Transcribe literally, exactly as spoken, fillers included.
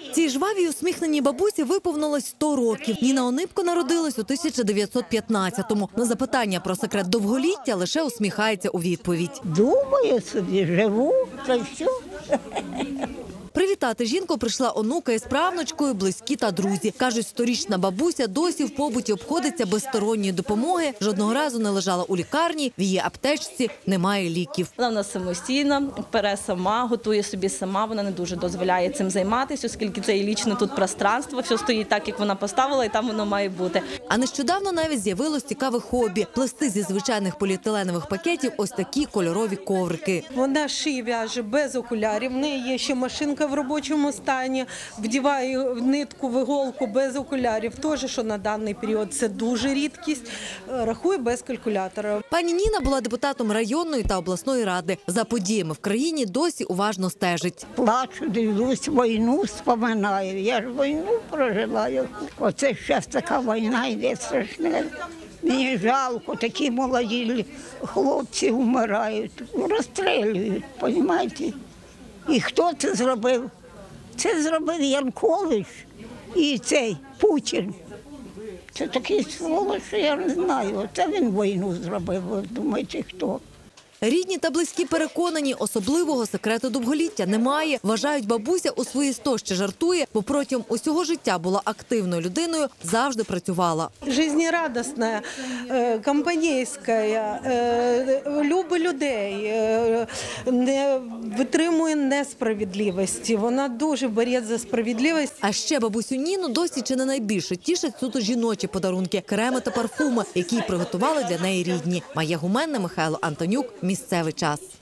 Цій жвавій усміхненій бабусі виповнилось сто років. Ніна Онипко народилась у тисяча дев'ятсот п'ятнадцятому. На запитання про секрет довголіття лише усміхається у відповідь. Думаю собі, живу, та все. Привітати жінку прийшла онука із правнучкою, близькі та друзі. Кажуть, сторічна бабуся досі в побуті обходиться без сторонньої допомоги, жодного разу не лежала у лікарні, в її аптечці немає ліків. Вона в нас самостійна, пере сама, готує собі сама, вона не дуже дозволяє цим займатися, оскільки це і лічне тут пространство, все стоїть так, як вона поставила, і там воно має бути. А нещодавно навіть з'явилось цікаве хобі – плести зі звичайних поліетиленових пакетів ось такі кольорові коврики. Вона шиє, в'яже без окулярів, в неї є ще машинка в робочому стані, вдіває в нитку, в іголку без окулярів. Теж, що на даний період це дуже рідкість, рахує без калькулятора. Пані Ніна була депутатом районної та обласної ради. За подіями в країні досі уважно стежить. Плачу, дивлюсь, війну споминаю. Я ж війну прожила. Оце зараз така війна йде страшна. Мені жалко, такі молоді хлопці вмирають, розстрілюють, розумієте? І хто це зробив? Це зробив Янукович і цей Путін. Це такий сволоч, що я не знаю. Це він війну зробив, ви думаєте, хто? Рідні та близькі переконані, особливого секрету довголіття немає. Вважають, бабуся у свої сто ще жартує, бо протягом усього життя була активною людиною, завжди працювала. Жизнерадісна, компанійська, любить людей, не витримує несправедливості. Вона дуже бореться за справедливість. А ще бабусю Ніну досі чи не найбільше тішать суто жіночі подарунки – креми та парфуми, які приготували для неї рідні. Майя Гуменна, Михайло Антонюк. Місцевий час.